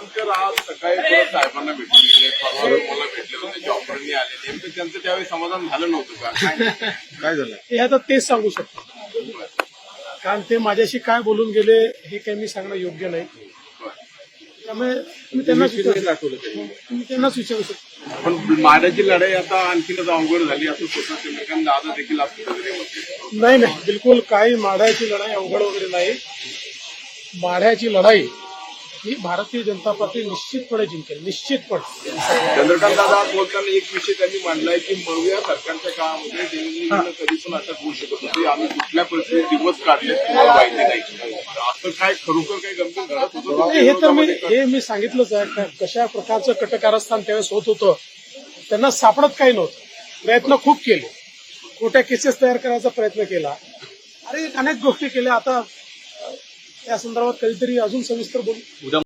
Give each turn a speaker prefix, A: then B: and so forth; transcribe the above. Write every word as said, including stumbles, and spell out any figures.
A: केसरकर आज सकाळी परत साहेबांना भेटून गेले, परवा मला भेटले होते, जॉबवरनी आले. नेमकं त्यांचं त्यावेळी समाधान झालं नव्हतं का? काय काय झालं?
B: हे आता तेच सांगू शकतो, कारण ते माझ्याशी काय बोलून गेले हे काही मी सांगणं योग्य नाही. त्यामुळे मी त्यांनाच विचारू
A: दाखवलं
B: मी त्यांनाच विचारू शकतो.
A: पण माड्याची लढाई आता आणखीनच अवघड झाली असं स्वतः चंद्रकांत दादा देखील असं वगैरे होते.
B: नाही नाही, बिलकुल काही माढ्याची लढाई अवघड वगैरे नाही. माढ्याची लढाई ही भारतीय जनता पार्टी निश्चितपणे जिंकेल, निश्चितपणे.
A: चंद्रकांत दादा आज बोलताना एक विषय त्यांनी मांडलाय की मग या सरकारच्या काळामध्ये देवेंद्रजींना कधी पण अटक होऊ शकत होती, आम्ही कुठल्या परिस्थितीत दिवस काढले तुम्हाला माहिती नाही. असं काय खरोखर काही गंभीर घडत होतं?
B: नाही, हे तर मी हे मी सांगितलंच आहे का कशा प्रकारचं कटकारस्थान त्यावेळेस होत होतं. त्यांना सापडत काही नव्हतं. प्रयत्न खूप केले, खोट्या केसेस तयार करायचा प्रयत्न केला आणि अनेक गोष्टी केल्या. आता त्या संदर्भात कधीतरी अजून सविस्तर बोलू.